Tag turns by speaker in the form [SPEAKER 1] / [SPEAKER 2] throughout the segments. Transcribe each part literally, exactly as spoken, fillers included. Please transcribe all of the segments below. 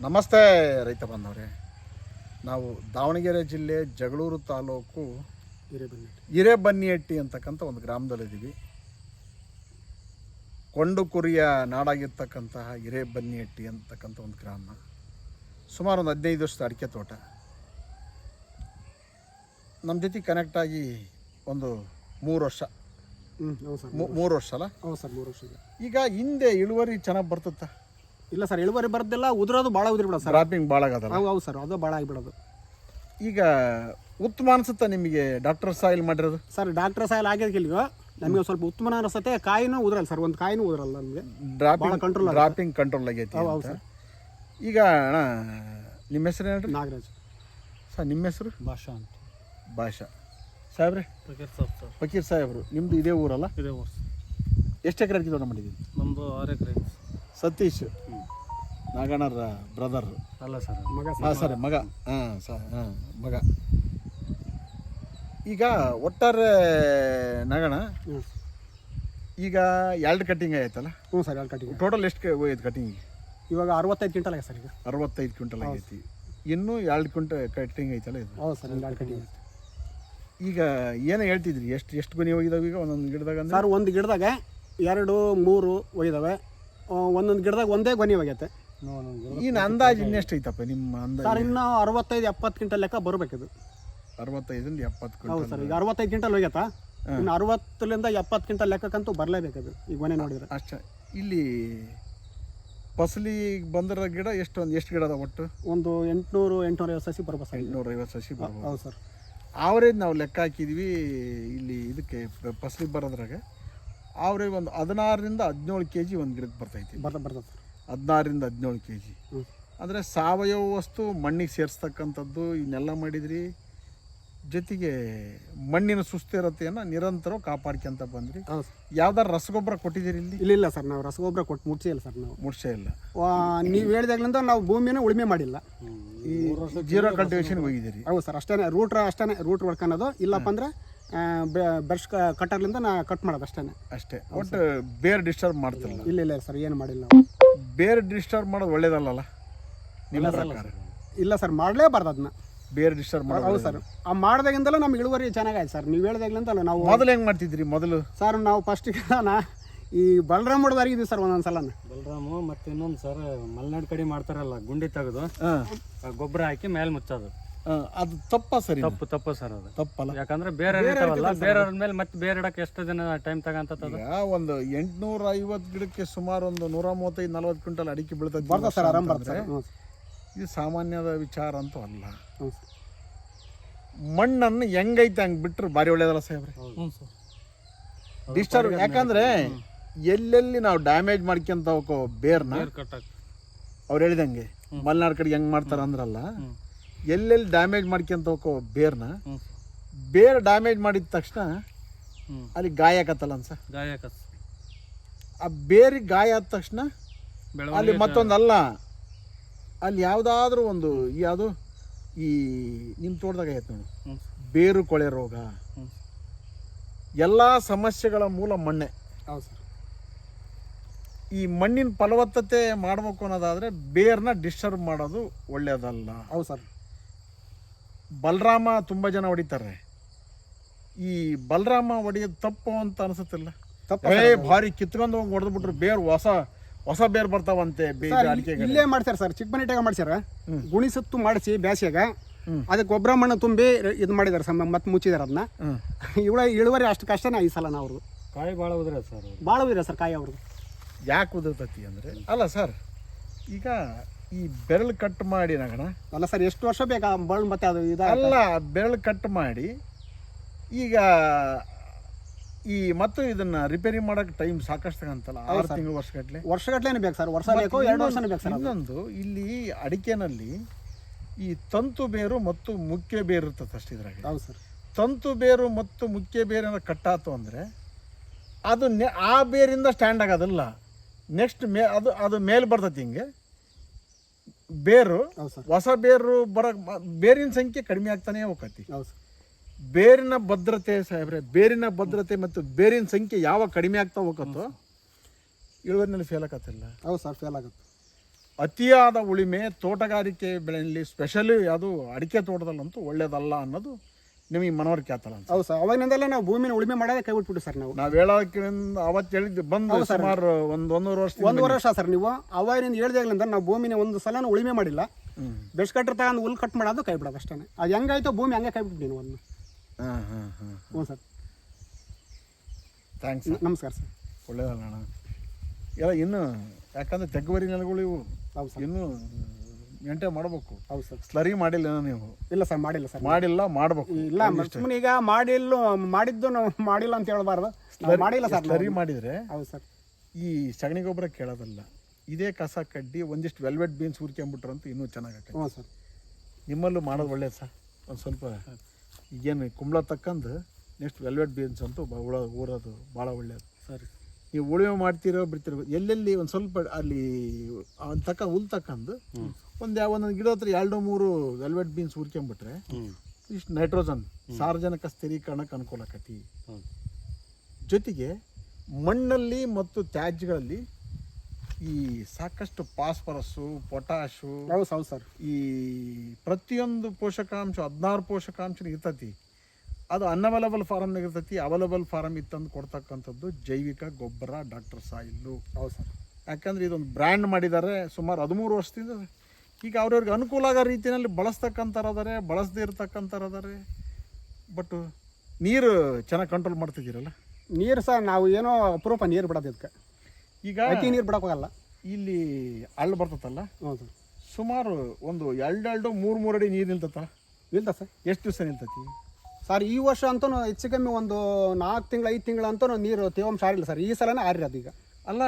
[SPEAKER 1] ನಮಸ್ತೆ ರೈತ ಬಾಂಧವರೇ. ನಾವು ದಾವಣಗೆರೆ ಜಿಲ್ಲೆ ಜಗಳೂರು ತಾಲೂಕು
[SPEAKER 2] ಹಿರೇಬನ್ನಿಹಟ್ಟಿ
[SPEAKER 1] ಹಿರೇಬನ್ನಿಹಟ್ಟಿ ಅಂತಕ್ಕಂಥ ಒಂದು ಗ್ರಾಮದಲ್ಲಿದ್ದೀವಿ. ಕೊಂಡು ಕುರಿಯ ನಾಡಾಗಿರ್ತಕ್ಕಂತಹ ಹಿರೇಬನ್ನಿಹಟ್ಟಿ ಅಂತಕ್ಕಂಥ ಒಂದು ಗ್ರಾಮ. ಸುಮಾರು ಒಂದು ಹದಿನೈದು ವರ್ಷದ ಅಡಿಕೆ ತೋಟ. ನಮ್ಮ ಜೊತೆ ಕನೆಕ್ಟ್ ಆಗಿ ಒಂದು ಮೂರು ವರ್ಷ
[SPEAKER 2] ಹ್ಞೂ ಹೌದು ಸರ್
[SPEAKER 1] ಮೂರು ವರ್ಷ ಅಲ್ಲ?
[SPEAKER 2] ಹೌದು ಸರ್ ಮೂರು ವರ್ಷ.
[SPEAKER 1] ಈಗ ಹಿಂದೆ ಇಳುವರಿ ಚೆನ್ನಾಗಿ ಬರ್ತತ್ತ?
[SPEAKER 2] ಇಲ್ಲ ಸರ್, ಇಳುವರಿ ಬರ್ದಿಲ್ಲ, ಉದುರೋದು ಭಾಳ ಉದುರಿ ಬಿಡೋದು ಸರ್.
[SPEAKER 1] ಡ್ರಾಪಿಂಗ್ ಭಾಳ ಆಗದಲ್ಲ?
[SPEAKER 2] ಹೌದು ಹೌದು ಸರ್, ಅದು ಭಾಳ ಆಗಿಬಿಡೋದು.
[SPEAKER 1] ಈಗ ಉತ್ತಮ ಅನ್ಸುತ್ತಾ ನಿಮಗೆ ಡಾಕ್ಟರ್ ಸಾಯಿಲ್ ಮಾಡಿರೋದು?
[SPEAKER 2] ಸರ್ ಡಾಕ್ಟರ್ ಸಾಯಿಲ್ ಆಗಿದ್ದಕ್ಕಿಲ್ವ ನಮಗೆ ಸ್ವಲ್ಪ ಉತ್ತಮ ಅನಿಸುತ್ತೆ. ಕಾಯಿನೂ ಉದುರಲ್ಲ ಸರ್, ಒಂದು ಕಾಯಿನೂ ಉದುರಲ್ಲ ನಮಗೆ.
[SPEAKER 1] ಡ್ರಾಪಿಂಗ್
[SPEAKER 2] ಕಂಟ್ರೋಲ್
[SPEAKER 1] ಡ್ರಾಪಿಂಗ್ ಕಂಟ್ರೋಲ್ ಆಗೈತಿ.
[SPEAKER 2] ಹೌದು ಸರ್.
[SPEAKER 1] ಈಗ ಅಣ್ಣ ನಿಮ್ಮ ಹೆಸರು ಹೇಳ್ರಿ?
[SPEAKER 2] ನಾಗರಾಜ್
[SPEAKER 1] ಸರ್. ನಿಮ್ಮ ಹೆಸರು?
[SPEAKER 2] ಭಾಷಾ ಅಂತ.
[SPEAKER 1] ಭಾಷಾ ಸಾಹೇಬ್ರೆ?
[SPEAKER 2] ಫಕೀರ್ ಸಾಬ್ ಸರ್.
[SPEAKER 1] ಫಕೀರ್ ಸಾಹೇಬ್ರು. ನಿಮ್ಮದು ಇದೇ ಊರಲ್ಲ?
[SPEAKER 2] ಇದೇ ಊರು.
[SPEAKER 1] ಎಷ್ಟು ಎಕರೆ ಅಡಿಕೆ ತೋಟ ಮಾಡಿದ್ದೀವಿ?
[SPEAKER 2] ನಮ್ಮದು ಆರು ಎಕರೆ.
[SPEAKER 1] ಸತೀಶ್ ನಾಗಣ್ಣರ ಬ್ರದರ್
[SPEAKER 2] ಅಲ್ಲ ಸರ್, ಮಗ.
[SPEAKER 1] ಹಾಂ ಸರ್, ಮಗ. ಹಾಂ ಸ ಹಾಂ ಮಗ. ಈಗ ಒಟ್ಟಾರೆ ನಾಗಣ್ಣ ಈಗ ಎರಡು ಕಟ್ಟಿಂಗ್ ಆಯ್ತಲ್ಲ?
[SPEAKER 2] ಹ್ಞೂ ಸರ್, ಎರಡು ಕಟ್ಟಿಂಗ್.
[SPEAKER 1] ಟೋಟಲ್ ಎಷ್ಟು ಹೋಯ್ತು ಕಟ್ಟಿಂಗಿಗೆ?
[SPEAKER 2] ಇವಾಗ ಅರವತ್ತೈದು ಕ್ವಿಂಟಲ್ ಆಗಿದೆ ಸರ್. ಈಗ
[SPEAKER 1] ಅರವತ್ತೈದು ಕ್ವಿಂಟಲ್ ಆಗೈತಿ. ಇನ್ನೂ ಎರಡು ಕ್ವಿಂಟಲ್ ಕಟ್ಟಿಂಗ್ ಐತಲ್ಲ ಇದು?
[SPEAKER 2] ಹೌದು ಸರ್, ಎರಡು ಕಟ್ಟಿಂಗ್.
[SPEAKER 1] ಈಗ ಏನು ಹೇಳ್ತಿದ್ರಿ, ಎಷ್ಟು ಎಷ್ಟು ಗೊನೆ ಹೋಗಿದಾವೆ ಈಗ ಒಂದೊಂದು ಗಿಡದಾಗ?
[SPEAKER 2] ಸರ್ ಒಂದು ಗಿಡದಾಗ ಎರಡು ಮೂರು ಒಯ್ದಾವೆ, ಒಂದೊಂದು ಗಿಡದಾಗ ಒಂದೇ ಗೊನೆ ಹೋಗೈತೆ.
[SPEAKER 1] ಇನ್ನು ಅಂದಾಜು ಇನ್ನೆಷ್ಟು ಐತಪ್ಪ ನಿಮ್ಮ ಅಂದಾಜು?
[SPEAKER 2] ಸರ್ ಇನ್ನೂ ಅರವತ್ತೈದು ಎಪ್ಪತ್ತು ಕ್ವಿಂಟಲ್ ಲೆಕ್ಕ ಬರಬೇಕಿದು.
[SPEAKER 1] ಅರವತ್ತೈದರಿಂದ ಎಪ್ಪತ್ತು
[SPEAKER 2] ಹೌದು
[SPEAKER 1] ಕ್ವಿಂಟಲ್.
[SPEAKER 2] ಸರ್, ಈಗ ಅರವತ್ತೈದು ಕ್ವಿಂಟಲ್ ಹೋಗ್ಯತಾ, ಇನ್ನು ಅರವತ್ತರಿಂದ ಎಪ್ಪತ್ತು ಕ್ವಿಂಟಲ್ ಲೆಕ್ಕಕ್ಕಂತೂ ಬರಲೇಬೇಕದು ಈ ಗೊನೆ ನೋಡಿದ್ರೆ.
[SPEAKER 1] ಅಷ್ಟೇ. ಇಲ್ಲಿ ಫಸಲಿ ಬಂದಿರೋ ಗಿಡ ಎಷ್ಟು, ಒಂದು ಎಷ್ಟು ಗಿಡ ಅದ ಒಟ್ಟು?
[SPEAKER 2] ಒಂದು ಎಂಟುನೂರು ಎಂಟುನೂರ ಐವತ್ತು ಸಸಿ ಬರ್ಬೋದು ಸರ್.
[SPEAKER 1] ಎಂಟುನೂರ ಐವತ್ತು ಸಸಿ ಬರ್ಬೋದು.
[SPEAKER 2] ಹೌದು ಸರ್.
[SPEAKER 1] ಆವ್ರೇಜ್ ನಾವು ಲೆಕ್ಕ ಹಾಕಿದ್ವಿ ಇಲ್ಲಿ ಇದಕ್ಕೆ ಫಸಲಿಗೆ ಬರೋದ್ರಾಗ ಆವ್ರೇಜ್ ಒಂದು ಹದಿನಾರರಿಂದ ಹದಿನೇಳು ಕೆ ಜಿ ಒಂದು ಗಿಡಕ್ಕೆ ಬರ್ತೈತಿ.
[SPEAKER 2] ಬರ್ತಾ ಬರ್ತದೆ ಸರ್.
[SPEAKER 1] ಹದಿನಾರರಿಂದ ಹದಿನೇಳು ಕೆ ಜಿ.
[SPEAKER 2] ಹ್ಞೂ.
[SPEAKER 1] ಅಂದರೆ ಸಾವಯವ ವಸ್ತು ಮಣ್ಣಿಗೆ ಸೇರಿಸ್ತಕ್ಕಂಥದ್ದು ಇವನ್ನೆಲ್ಲ ಮಾಡಿದ್ರಿ. ಜೊತೆಗೆ ಮಣ್ಣಿನ ಸುಸ್ಥಿರತೆಯನ್ನು ನಿರಂತರ ಕಾಪಾಡ್ಕೊಂತ ಬಂದ್ರಿ.
[SPEAKER 2] ಹೌದು ಸರ್.
[SPEAKER 1] ಯಾವ್ದಾರು ರಸಗೊಬ್ಬರ ಕೊಟ್ಟಿದ್ದೀರಿ ಇಲ್ಲಿ?
[SPEAKER 2] ಇಲ್ಲ ಇಲ್ಲ ಸರ್, ನಾವು ರಸಗೊಬ್ಬರ ಕೊಟ್ಟು ಮುಟ್ಸೇ ಇಲ್ಲ ಸರ್. ನಾವು
[SPEAKER 1] ಮುಟ್ಸೇ ಇಲ್ಲ.
[SPEAKER 2] ನೀವು ಹೇಳಿದಾಗ್ಲಿಂದ ನಾವು ಭೂಮಿನ ಉಳುಮೆ ಮಾಡಿಲ್ಲ.
[SPEAKER 1] ಈ ಜೀರೋ ಕಲ್ಟಿವೇಶನ್ ಹೋಗಿದ್ದೀರಿ?
[SPEAKER 2] ಹೌದು ಸರ್, ಅಷ್ಟೇ. ರೂಟ್ರ್ ಅಷ್ಟೇ, ರೂಟ್ ಹೊಡ್ಕೊಳೋದು. ಇಲ್ಲಪ್ಪ ಅಂದ್ರೆ ಬ್ರಷ್ ಕಟ್ಟರ್ಲಿಂದ ನಾ ಕಟ್ ಮಾಡೋದು ಅಷ್ಟೇ.
[SPEAKER 1] ಅಷ್ಟೇ. ಒಟ್ಟು ಬೇರೆ ಡಿಸ್ಟರ್ಬ್ ಮಾಡ್ತಿಲ್ಲ?
[SPEAKER 2] ಇಲ್ಲ ಇಲ್ಲ ಸರ್, ಏನು ಮಾಡಿಲ್ಲ.
[SPEAKER 1] ಬೇರೆ ಡಿಸ್ಟರ್ಬ್ ಮಾಡೋದು ಒಳ್ಳೇದಲ್ಲ ನಿಮ್ಮ ಪ್ರಕಾರ?
[SPEAKER 2] ಇಲ್ಲ ಸರ್, ಮಾಡಲೇಬಾರ್ದು ಅದನ್ನ.
[SPEAKER 1] ಬೇರೆ ಡಿಸ್ಟರ್ಬ್ ಮಾಡೋದು?
[SPEAKER 2] ಹೌದು ಸರ್, ಆ ಮಾಡಿದಾಗಿಂದಲೂ ನಮ್ಗೆ ಇಳುವರಿ ಚೆನ್ನಾಗಾಯ್ತು ಸರ್. ನೀವು ಹೇಳಿದಾಗ್ಲಿಂದಲ್ಲ ನಾವು.
[SPEAKER 1] ಮೊದಲು ಹೆಂಗೆ ಮಾಡ್ತಿದ್ರಿ ಮೊದಲು?
[SPEAKER 2] ಸರ್ ನಾವು ಫಸ್ಟಿಗೆ ನಾ ಈ ಬಲರಾಮ್ ಹೊಡೆದಾರಿದ್ವಿ ಸರ್ ಒಂದೊಂದು ಸಲ.
[SPEAKER 3] ಬಲರಾಮು ಮತ್ತು ಇನ್ನೊಂದು ಸರ್ ಮಲೆನಾಡು ಕಡೆ ಮಾಡ್ತಾರಲ್ಲ, ಗುಂಡಿ ತೆಗೆದು ಗೊಬ್ಬರ ಹಾಕಿ ಮೇಲೆ ಮುಚ್ಚೋದು.
[SPEAKER 1] ಅದು ತಪ್ಪ ಸರಿ?
[SPEAKER 3] ತಪ್ಪು ತಪ್ಪು ಸರ್, ಅದು
[SPEAKER 1] ತಪ್ಪಲ್ಲ.
[SPEAKER 3] ಯಾಕಂದ್ರೆ ಬೇರೆ ಇರ್ತಾವಲ್ಲ, ಬೇರೆ ಮೇಲೆ ಮತ್ತೆ ಬೇರೆ ಇಡಕ್ಕೆ ಎಷ್ಟು ದಿನ ಟೈಮ್ ತಗಂತದ?
[SPEAKER 1] ಈಗ ಒಂದು ಎಂಟುನೂರ ಐವತ್ತು ಗಿಡಕ್ಕೆ ಸುಮಾರು ಒಂದು ನೂರ ಮೂವತ್ತೈದು ನಲ್ವತ್ತು ಕ್ವಿಂಟಲ್ ಅಡಿಕೆ ಬೀಳ್ತದೆ.
[SPEAKER 2] ಬರ್ತದೆ ಸರ್, ಆರಾಮ್ ಬರ್ತದೆ.
[SPEAKER 1] ಇದು ಸಾಮಾನ್ಯದ ವಿಚಾರ ಅಂತೂ ಅಲ್ಲ.
[SPEAKER 2] ಹ್ಞೂ.
[SPEAKER 1] ಮಣ್ಣನ್ನು ಹೆಂಗೈತೆ ಹಂಗೆ ಬಿಟ್ಟರೆ ಭಾರಿ ಒಳ್ಳೇದಲ್ಲ ಸಾಹೇಬ್ರೆ?
[SPEAKER 3] ಹ್ಞೂ ಸರ್.
[SPEAKER 1] ಡಿಸ್ಟರ್ಬ್ ಯಾಕಂದ್ರೆ ಎಲ್ಲೆಲ್ಲಿ ನಾವು ಡ್ಯಾಮೇಜ್ ಮಾಡ್ಕೊಂತ ಹೋಗೋ ಬೇರ್ನ,
[SPEAKER 3] ಕಟ್ಟಕ್ಕೆ
[SPEAKER 1] ಅವ್ರು ಹೇಳಿದಂಗೆ ಮಲೆನಾಡು ಕಡೆ ಹೆಂಗೆ ಮಾಡ್ತಾರ ಅಂದ್ರಲ್ಲ, ಎಲ್ಲೆಲ್ಲಿ ಡ್ಯಾಮೇಜ್ ಮಾಡ್ಕೊಂತ ಹೋಗೋ ಬೇರ್ನ, ಬೇರೆ ಡ್ಯಾಮೇಜ್ ಮಾಡಿದ ತಕ್ಷಣ ಅಲ್ಲಿ ಗಾಯ ಆಕತ್ತಲ್ಲ ಅನ್ಸ?
[SPEAKER 3] ಗಾಯ ಆಕತ್.
[SPEAKER 1] ಆ ಬೇರಿಗೆ ಗಾಯ ಆದ ತಕ್ಷಣ ಅಲ್ಲಿ ಮತ್ತೊಂದಲ್ಲ, ಅಲ್ಲಿ ಯಾವುದಾದ್ರೂ ಒಂದು ಯಾವುದು ಈ ನಿಮ್ಮ ತೋಟದಾಗ ಆಯ್ತು ನೋಡಿ, ಬೇರು ಕೊಳೆ ರೋಗ, ಎಲ್ಲ ಸಮಸ್ಯೆಗಳ ಮೂಲ ಮಣ್ಣೆ.
[SPEAKER 2] ಹೌದು ಸರ್.
[SPEAKER 1] ಈ ಮಣ್ಣಿನ ಫಲವತ್ತತೆ ಮಾಡಬೇಕು ಅನ್ನೋದಾದರೆ ಬೇರ್ನ ಡಿಸ್ಟರ್ಬ್ ಮಾಡೋದು ಒಳ್ಳೆಯದಲ್ಲ.
[SPEAKER 2] ಹೌದು ಸರ್.
[SPEAKER 1] ಬಲರಾಮ ತುಂಬ ಜನ ಹೊಡಿತಾರೆ. ಈ ಬಲರಾಮ ಹೊಡೆಯೋದು ತಪ್ಪು ಅಂತ ಅನಿಸುತ್ತಿಲ್ಲ? ಏ ಭಾರಿ ಕಿತ್ಕೊಂಡು ಹೋಗಿ ಹೊಡೆದ್ಬಿಟ್ರು ಬೇರು ಹೊಸ ಹೊಸ ಬೇರು ಬರ್ತಾವಂತೆ ಅಡಿಕೆ.
[SPEAKER 2] ಇಲ್ಲೇ ಮಾಡ್ತಾರೆ ಸರ್, ಚಿಕ್ಕಮನೆಟ್ಟಾಗ ಮಾಡ್ಸ್ಯಾರ. ಗುಣಿ ಸುತ್ತು ಮಾಡಿಸಿ ಬ್ಯಾಸಿಯಾಗ ಅದಕ್ಕೆ ಗೊಬ್ಬರ ಮಣ್ಣು ತುಂಬಿ ಇದು ಮಾಡಿದಾರೆ ಸರ್, ಮತ್ತೆ ಮುಚ್ಚಿದಾರೆ ಅದನ್ನ. ಇವಳ ಇಳುವರಿ ಅಷ್ಟು ಕಷ್ಟನೇ ಈ ಸಲ ನಾವು.
[SPEAKER 3] ಕಾಯಿ ಭಾಳ ಉದ್ರೆ ಸರ್,
[SPEAKER 2] ಭಾಳ ಉದ್ರೆ ಸರ್ ಕಾಯಿ ಅವ್ರದ್ದು.
[SPEAKER 1] ಯಾಕೆ ಉದುರ್ತತಿ ಅಂದರೆ, ಅಲ್ಲ ಸರ್ ಈಗ ಈ ಬೆರಳು ಕಟ್ ಮಾಡಿ ನಗಣ
[SPEAKER 2] ಅಲ್ಲ ಸರ್, ಎಷ್ಟು ವರ್ಷ ಬೇಕಾ ಬಳ್ಳು ಮತ್ತೆ ಅದು ಇದು
[SPEAKER 1] ಅಲ್ಲ, ಬೆರಳು ಕಟ್ ಮಾಡಿ ಈಗ ಈ ಮತ್ತು ಇದನ್ನ ರಿಪೇರಿ ಮಾಡಕ್ಕೆ ಟೈಮ್ ಸಾಕಷ್ಟು ತಗಂತಲ್ಲ, ಆರು ತಿಂಗಳು ವರ್ಷಗಟ್ಟಲೆ
[SPEAKER 2] ವರ್ಷಗಟ್ಟಲೆ ಬೇಕು ಸರ್, ವರ್ಷ ಬೇಕು, ಎರಡು ವರ್ಷನೇ ಬೇಕು ಸರ್.
[SPEAKER 1] ಇನ್ನೊಂದು ಇಲ್ಲಿ ಅಡಿಕೆನಲ್ಲಿ ಈ ತಂತು ಬೇರು ಮತ್ತು ಮುಖ್ಯ ಬೇರು ಇರ್ತದೆ ಅಷ್ಟು ಇದ್ರಾಗ.
[SPEAKER 2] ಹೌದು ಸರ್.
[SPEAKER 1] ತಂತು ಬೇರು ಮತ್ತು ಮುಖ್ಯ ಬೇರೇನ ಕಟ್ಟಾತು ಅಂದರೆ ಅದು ನೆ ಆ ಬೇರಿಂದ ಸ್ಟ್ಯಾಂಡ್ ಆಗೋದಿಲ್ಲ, ನೆಕ್ಸ್ಟ್ ಮೇ ಅದು ಅದು ಮೇಲೆ ಬರ್ತೈತಿ ಹಿಂಗೆ ಬೇರು. ಹೊಸ ಬೇರು ಬರೋ ಬೇರಿನ ಸಂಖ್ಯೆ ಕಡಿಮೆ ಆಗ್ತಾನೆ ಹೋಗತಿ. ಬೇರಿನ ಭದ್ರತೆ ಸಾಹೇಬ್ರೆ, ಬೇರಿನ ಭದ್ರತೆ ಮತ್ತು ಬೇರಿನ ಸಂಖ್ಯೆ ಯಾವ ಕಡಿಮೆ ಆಗ್ತಾ ಹೋಗತ್ತೋ ಇಳುವರಿನಲ್ಲಿ ಫೇಲ್ ಆಗತ್ತಿಲ್ಲ.
[SPEAKER 2] ಹೌದು ಸರ್, ಫೇಲ್ ಆಗುತ್ತೆ.
[SPEAKER 1] ಅತಿಯಾದ ಉಳಿಮೆ ತೋಟಗಾರಿಕೆ ಬೆಳೆಯಲ್ಲಿ ಸ್ಪೆಷಲಿ ಅದು ಅಡಿಕೆ ತೋಟದಲ್ಲಂತೂ ಒಳ್ಳೇದಲ್ಲ ಅನ್ನೋದು ನಿಮಗೆ ಮನವರಿಕೆ ಆತಲ್ಲ ಅಂತ.
[SPEAKER 2] ಹೌದು ಸರ್, ಅವಾಗಿನಿಂದಲೇ ನಾವು ಭೂಮಿನ ಉಳುಮೆ ಮಾಡೋದೇ ಕೈ ಬಿಟ್ಬಿಟ್ಟು ಸರ್ ನಾವು.
[SPEAKER 1] ನಾವು ಹೇಳೋಕ್ಕಿಂತ ಅವತ್ತು ಹೇಳಿದ್ದು ಬಂದು ಸುಮಾರು ಒಂದು ಒಂದೂವರೆ ವರ್ಷ
[SPEAKER 2] ಒಂದು ವರ್ಷ ಸರ್ ನೀವು ಅವಾಗಿನಿಂದ ಹೇಳ್ದಾಗ್ಲಿಂದ ನಾವು ಭೂಮಿನ ಒಂದು ಸಲನೂ ಉಳುಮೆ ಮಾಡಿಲ್ಲ. ಬೆಸ್ಟ್ ಕಟ್ಟರ್ ತಗೊಂಡು ಹುಲ್ ಕಟ್ ಮಾಡೋದು ಕೈ ಬಿಡೋದು ಅಷ್ಟೇ. ಅದು ಹೆಂಗಾಯ್ತು ಭೂಮಿ ಹಂಗೆ ಕೈ ಬಿಟ್ಬಿಟ್ಟು ನೀವು ಒಂದು.
[SPEAKER 1] ಹಾಂ ಹಾಂ ಹಾಂ
[SPEAKER 2] ಹ್ಞೂ ಸರ್,
[SPEAKER 1] ಥ್ಯಾಂಕ್ಸ್.
[SPEAKER 2] ನಮಸ್ಕಾರ ಸರ್.
[SPEAKER 1] ಒಳ್ಳೇದಲ್ಲ ಅಣ್ಣ. ಎಲ್ಲ ಇನ್ನು ಯಾಕಂದ್ರೆ ತೆಗ್ಗುವರಿ ನೆಲಗಳು ಇವು
[SPEAKER 2] ಹೌದು ಸರ್,
[SPEAKER 1] ಇನ್ನೂ ಮೇಂಟೈನ್ ಮಾಡಬೇಕು.
[SPEAKER 2] ಹೌದು ಸರ್.
[SPEAKER 1] ಸ್ಲರಿ ಮಾಡಿಲ್ಲ ನೀವು?
[SPEAKER 2] ಇಲ್ಲ ಸರ್, ಮಾಡಿಲ್ಲ ಸರ್.
[SPEAKER 1] ಮಾಡಿಲ್ಲ, ಮಾಡಬೇಕು.
[SPEAKER 2] ಇಲ್ಲ ಸುಮ್ಮನೆ ಈಗ ಮಾಡಿಲ್ಲ ಮಾಡಿದ್ದು ನಾವು ಮಾಡಿಲ್ಲ ಅಂತ ಹೇಳ್ಬಾರ್ದು. ನಾವು ಮಾಡಿಲ್ಲ ಸರ್.
[SPEAKER 1] ಸ್ಲರಿ ಮಾಡಿದರೆ
[SPEAKER 2] ಹೌದು ಸರ್,
[SPEAKER 1] ಈ ಸಗಣಿ ಗೊಬ್ಬರ ಕೇಳೋದಲ್ಲ, ಇದೇ ಕಸ ಕಡ್ಡಿ ಒಂದಿಷ್ಟು ವೆಲ್ವೆಟ್ ಬೀನ್ಸ್ ಹುರ್ಕೊಂಬಿಟ್ರು ಅಂತ ಇನ್ನೂ ಚೆನ್ನಾಗತ್ತೆ.
[SPEAKER 2] ಹ್ಞೂ ಸರ್.
[SPEAKER 1] ನಿಮ್ಮಲ್ಲೂ ಮಾಡೋದು ಒಳ್ಳೇದು ಸರ್. ಒಂದು ಸ್ವಲ್ಪ ಈಗೇನು ಕುಂಬಳ ತಕ್ಕಂದು ನೆಕ್ಸ್ಟ್ ವೆಲ್ವೆಟ್ ಬೀನ್ಸ್ ಅಂತೂ ಬ ಉಳ ಊರೋದು ಭಾಳ ಒಳ್ಳೆಯದು.
[SPEAKER 3] ಸರಿ,
[SPEAKER 1] ನೀವು ಉಳುಮೆ ಮಾಡ್ತಿರೋ ಬಿಡ್ತಿರೋ ಎಲ್ಲೆಲ್ಲಿ ಒಂದು ಸ್ವಲ್ಪ ಅಲ್ಲಿ ಅವ್ನು ತಕ್ಕ ಹುಲ್ ತಕ್ಕಂದು ಒಂದು ಯಾವ ಒಂದೊಂದು ಗಿಡ ಹತ್ರ ಎರಡು ಮೂರು ವೆಲ್ವೆಟ್ ಬೀನ್ಸ್ ಹುರ್ಕೊಂಬಿಟ್ರೆ ಇಷ್ಟು ನೈಟ್ರೋಜನ್ ಸಾರ್ವಜನಿಕ ಸ್ಥಿರೀಕರಣಕ್ಕೆ ಅನುಕೂಲ ಆಕತಿ. ಜೊತೆಗೆ ಮಣ್ಣಲ್ಲಿ ಮತ್ತು ತ್ಯಾಜ್ಯಗಳಲ್ಲಿ ಈ ಸಾಕಷ್ಟು ಫಾಸ್ಫರಸ್ಸು, ಪೊಟ್ಯಾಶು,
[SPEAKER 2] ಹೌದು ಹೌದು ಸರ್,
[SPEAKER 1] ಈ ಪ್ರತಿಯೊಂದು ಪೋಷಕಾಂಶ ಹದಿನಾರು ಪೋಷಕಾಂಶ ಇರ್ತೈತಿ. ಅದು ಅನ್ಅವೈಲಬಲ್ ಫಾರಮ್ನಾಗ ಇರ್ತೈತಿ. ಅವೈಲಬಲ್ ಫಾರಮ್ ಇತ್ತಂದು ಕೊಡ್ತಕ್ಕಂಥದ್ದು ಜೈವಿಕ ಗೊಬ್ಬರ ಡಾಕ್ಟರ್ ಸಾಯಿಲ್ಲು.
[SPEAKER 2] ಹೌದು ಸರ್.
[SPEAKER 1] ಯಾಕಂದರೆ ಇದೊಂದು ಬ್ರ್ಯಾಂಡ್ ಮಾಡಿದ್ದಾರೆ ಸುಮಾರು ಹದಿಮೂರು ವರ್ಷದಿಂದ. ಈಗ ಅವ್ರವ್ರಿಗೆ ಅನುಕೂಲ ಆಗೋ ರೀತಿಯಲ್ಲಿ ಬಳಸ್ತಕ್ಕಂಥರದಾರೆ, ಬಳಸದೇ ಇರ್ತಕ್ಕಂಥರದಾರೆ. ಬಟ್ ನೀರು ಚೆನ್ನಾಗಿ ಕಂಟ್ರೋಲ್ ಮಾಡ್ತಿದ್ದೀರಲ್ಲ?
[SPEAKER 2] ನೀರು ಸರ್ ನಾವು ಏನೋ ಅಪರೂಪ ನೀರು ಬಿಡೋದು ಇದಕ್ಕೆ.
[SPEAKER 1] ಈಗ
[SPEAKER 2] ಅತಿ ನೀರು ಬಿಡೋಕ್ಕಾಗಲ್ಲ.
[SPEAKER 1] ಇಲ್ಲಿ ಹಳ್ಳ ಬರ್ತತಲ್ಲ,
[SPEAKER 2] ಹ್ಞೂ ಸರ್,
[SPEAKER 1] ಸುಮಾರು ಒಂದು ಎರಡು ಎರಡು ಮೂರು ಮೂರು ಅಡಿ ನೀರು ನಿಲ್ತತ್ತ.
[SPEAKER 2] ನಿಲ್ತ ಸರ್.
[SPEAKER 1] ಎಷ್ಟು ದಿವಸ ನಿಲ್ತತಿ
[SPEAKER 2] ಸರ್? ಈ ವರ್ಷ ಅಂತೂ ಹೆಚ್ಚು ಕಮ್ಮಿ ಒಂದು ನಾಲ್ಕು ತಿಂಗಳು ಐದು ತಿಂಗಳು ಅಂತೂ ನೀರು ತೇವಾಂಶ ಆರಿಲ್ಲ ಸರ್. ಈ ಸಲನೇ ಆರಿರೋದು. ಈಗ
[SPEAKER 1] ಅಲ್ಲ,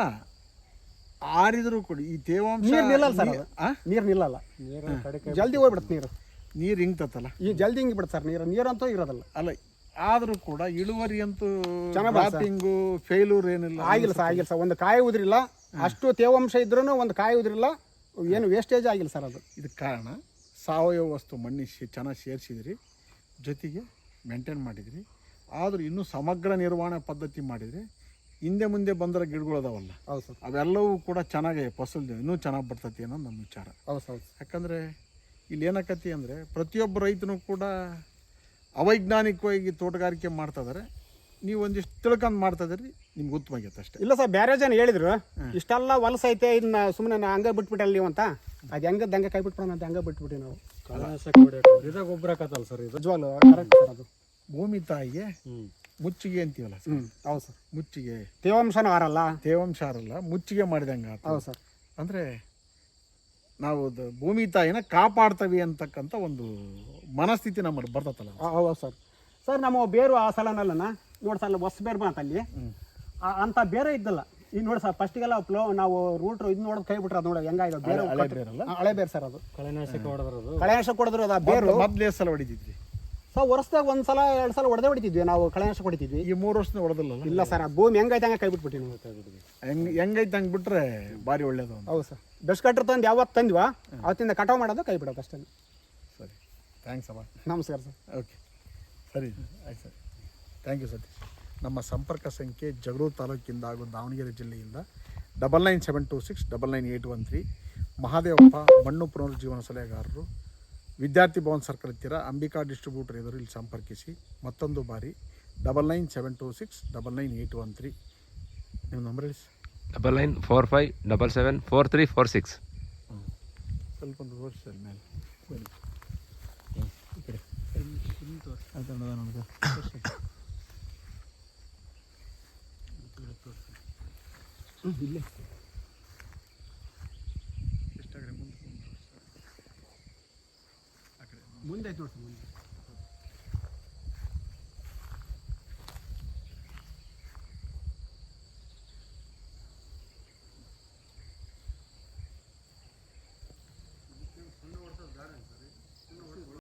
[SPEAKER 1] ಆರಿದ್ರು ಕೂಡ ಈ ತೇವಾಂಶ
[SPEAKER 2] ನೀರು ನಿಲ್ಲಲ್ಲ ಸರ್.
[SPEAKER 1] ನೀ- ಆ?
[SPEAKER 2] ನೀರು ನಿಲ್ಲಲ್ಲ,
[SPEAKER 3] ನೀರು ಕಡೆ ಕೈ
[SPEAKER 2] ಜಲ್ದಿ ಹೋಗ್ಬಿಡುತ್ತೆ ನೀರು.
[SPEAKER 1] ನೀರು ಹಿಂಗ್ತತ್ತಲ್ಲ,
[SPEAKER 2] ಈ ಜಲ್ದಿ ಹಿಂಗೆ ಬಿಡುತ್ತೆ ಸರ್ ನೀರು. ನೀರಂತೂ ಇರೋದಲ್ಲ.
[SPEAKER 1] ಅಲ್ಲ ಆದರೂ ಕೂಡ ಇಳುವರಿ ಅಂತೂ
[SPEAKER 2] ಚೆನ್ನಾಗ್ ಬರ್ತದೆ.
[SPEAKER 1] ಡ್ರಾಪಿಂಗು ಫೇಲ್ಯೂರ್ ಏನಿಲ್ಲ.
[SPEAKER 2] ಆಗಿಲ್ಲ ಸರ್, ಆಗಿಲ್ಲ ಸರ್. ಒಂದು ಕಾಯಿ ಉದ್ರಿಲ್ಲ, ಅಷ್ಟು ತೇವಾಂಶ ಇದ್ರೂ ಒಂದು ಕಾಯಿ ಉದ್ರಿಲ್ಲ, ಏನು ವೇಸ್ಟೇಜ್ ಆಗಿಲ್ಲ ಸರ್. ಅದು
[SPEAKER 1] ಇದಕ್ಕೆ ಕಾರಣ ಸಾವಯವ ವಸ್ತು ಮಣ್ಣಿಗೆ ಚೆನ್ನಾಗಿ ಸೇರಿಸಿದ್ರಿ, ಜೊತೆಗೆ ಮೇಂಟೈನ್ ಮಾಡಿದ್ರಿ. ಆದರೂ ಇನ್ನೂ ಸಮಗ್ರ ನಿರ್ವಹಣೆ ಪದ್ಧತಿ ಮಾಡಿದರೆ ಹಿಂದೆ ಮುಂದೆ ಬಂದರೆ ಗಿಡಗಳು ಅದಾವಲ್ಲ,
[SPEAKER 2] ಹೌದು ಸರ್,
[SPEAKER 1] ಅವೆಲ್ಲವೂ ಕೂಡ ಚೆನ್ನಾಗಿ ಫಸಲು ಇನ್ನೂ ಚೆನ್ನಾಗಿ ಬರ್ತೈತಿ ಅನ್ನೋದು ನಮ್ಮ ವಿಚಾರ.
[SPEAKER 2] ಹೌದು ಹೌದು.
[SPEAKER 1] ಯಾಕಂದರೆ ಇಲ್ಲಿ ಏನಾಕತಿ ಅಂದರೆ ಪ್ರತಿಯೊಬ್ಬ ರೈತನೂ ಕೂಡ ಅವೈಜ್ಞಾನಿಕವಾಗಿ ತೋಟಗಾರಿಕೆ ಮಾಡ್ತಾಯಿದ್ದಾರೆ. ನೀವು ಒಂದಿಷ್ಟು ತಿಳ್ಕೊಂಡು ಮಾಡ್ತಾಯಿದ್ರಿ, ನಿಮ್ಗೆ ಉತ್ತಮಾಗೈತೆ ಅಷ್ಟೇ.
[SPEAKER 2] ಇಲ್ಲ ಸರ್, ಬೇರೆ ಜನ ಹೇಳಿದ್ರು ಇಷ್ಟೆಲ್ಲ ಹೊಲಸೈತೆ, ಇದನ್ನ ಸುಮ್ಮನೆ ಹಂಗೆ ಬಿಟ್ಬಿಟ್ಟಲ್ಲ ನೀವು ಅಂತ. ಅದು ಹೆಂಗದ್ದು ಹಂಗೆ ಕೈ ಬಿಟ್ಬಿಡೋಣ ಅಂತ ಹಂಗೆ ಬಿಟ್ಬಿಟ್ಟು ನಾವು
[SPEAKER 3] ಕಳೆನಾಶಕ ಹೊಡಿಯೋಕೆ ಇದೇ ಗೊಬ್ಬರ ಹಾಕತ್ತಲ್ಲ ಸರ್ ಇದು.
[SPEAKER 2] ನಿಜವಾಗ್ಲೂ ಕರೆಕ್ಟ್ ಸರ್. ಅದು
[SPEAKER 1] ಭೂಮಿ ತಾಯಿಗೆ
[SPEAKER 3] ಹ್ಞೂ
[SPEAKER 1] ಮುಚ್ಚಿಗೆ ಅಂತೀವಲ್ಲ ಸರ್.
[SPEAKER 2] ಹ್ಞೂ ಹೌದು ಸರ್.
[SPEAKER 1] ಮುಚ್ಚಿಗೆ
[SPEAKER 2] ತೇವಾಂಶನೂ ಆರಲ್ಲ.
[SPEAKER 1] ತೇವಾಂಶ ಅರಲ್ಲ, ಮುಚ್ಚಿಗೆ ಮಾಡಿದಂಗೆ ಆತ.
[SPEAKER 2] ಹೌದು ಸರ್.
[SPEAKER 1] ಅಂದರೆ ನಾವು ಅದು ಭೂಮಿ ತಾಯಿನ ಕಾಪಾಡ್ತವಿ ಅಂತಕ್ಕಂಥ ಒಂದು ಮನಸ್ಥಿತಿ ನಮ್ಮಲ್ಲಿ ಬರ್ತತ್ತಲ್ಲ.
[SPEAKER 2] ಹೌದು ಸರ್. ಸರ್ ನಮ್ಮ ಬೇರು ಆ ಸಲನಲ್ಲನ ನೋಡಿ ಸರ್, ಹೊಸ ಬೇರು ಬಂತ ಅಲ್ಲಿ ಅಂತ ಬೇರೆ ಇದ್ದಲ್ಲ. ಈಗ ನೋಡಿ ಸರ್, ಫಸ್ಟಿಗೆಲ್ಲ ಫ್ಲೋ ನಾವು ರೂಟ್ ಇದು ನೋಡೋದು ಕೈ ಬಿಟ್ರೆ ಅದು ನೋಡಿ ಹೆಂಗಾಯ್ತು ಬೇರೆ.
[SPEAKER 1] ಹಳೆ ಬೇರಲ್ಲ,
[SPEAKER 2] ಹಳೆ ಬೇರು ಸರ್. ಅದು
[SPEAKER 3] ಕಳೆನಾಶಕ ಹೊಡೆದ್ರದು.
[SPEAKER 2] ಕಳೆನಾಶಕ ಕೊಡಿದ್ರು ಅದು ಆ ಬೇರು.
[SPEAKER 1] ಮೊದಲು ಎಷ್ಟು ಸಲ ಹೊಡಿತಿದ್ವಿ
[SPEAKER 2] ಸರ್? ವರ್ಷದಾಗ ಒಂದು ಸಲ ಎರಡು ಸಲ ಹೊಡೆದೇ ಹೊಡಿತಿದ್ವಿ ನಾವು, ಕಳೆನಾಶಕ ಹೊಡಿತಿದ್ವಿ.
[SPEAKER 1] ಈ ಮೂರು ವರ್ಷದ ಹೊಡೆದಿಲ್ಲ.
[SPEAKER 2] ಇಲ್ಲ ಸರ್, ಆ ಭೂಮಿ ಹೆಂಗೈತೆ ಹಂಗೆ ಕೈ ಬಿಟ್ಬಿಟ್ಟು ನಾವು.
[SPEAKER 1] ಹೆಂಗೆ ಹೆಂಗೈತೆ ಹಂಗೆ ಬಿಟ್ರೆ ಭಾರಿ ಒಳ್ಳೇದು ಅಂತ.
[SPEAKER 2] ಹೌದು ಸರ್. ಬೆಸ್ಟ್ ಕಟ್ರ್ ತಂದು ಯಾವತ್ತು ತಂದ್ವಾ ಅವತ್ತಿಂದ ಕಟಾವು ಮಾಡೋದು, ಕೈ ಬಿಡೋದು ಅಷ್ಟೇ.
[SPEAKER 1] ಸರಿ, ಥ್ಯಾಂಕ್ಸ್ ಅಮ್ಮ.
[SPEAKER 2] ನಮಸ್ಕಾರ ಸರ್.
[SPEAKER 1] ಓಕೆ, ಸರಿ ಆಯ್ತು ಸರ್, ಥ್ಯಾಂಕ್ ಯು ಸತೀಶ್. ನಮ್ಮ ಸಂಪರ್ಕ ಸಂಖ್ಯೆ ಜಗಳೂರು ತಾಲೂಕಿಂದ ಹಾಗೂ ದಾವಣಗೆರೆ ಜಿಲ್ಲೆಯಿಂದ double nine seven two six double nine eight one three. Mahadevappa, ಮಣ್ಣು ಪುನರುಜ್ಜೀವನ ಸಲಹೆಗಾರರು, ವಿದ್ಯಾರ್ಥಿ ಭವನ್ ಸರ್ಕಲ್ ಹತ್ತಿರ, ಅಂಬಿಕಾ ಡಿಸ್ಟ್ರಿಬ್ಯೂಟರ್ ಎದುರು ಇಲ್ಲಿ ಸಂಪರ್ಕಿಸಿ. ಮತ್ತೊಂದು ಬಾರಿ double nine seven two six double nine eight one three. ನಿಮ್ಮ ನಂಬರ್ ಹೇಳಿ sir.
[SPEAKER 4] Double nine four five double seven four three four six.
[SPEAKER 1] ಹ್ಞೂ, ಸ್ವಲ್ಪ ಒಂದು ತೋರಿಸಿ ಸರ್ ಮೇಲೆ ಬನ್ನಿ ಈ ಕಡೆ. ಆಯ್ತು ನನಗೆ
[SPEAKER 2] ಇಲ್ಲೇ
[SPEAKER 1] ಎಷ್ಟಾಗ್ರೆ ಮುಂದೆ
[SPEAKER 2] ಮುಂದೆ ಆಯ್ತು ನೋಡಿ ಸರ್. ಮುಂದೆ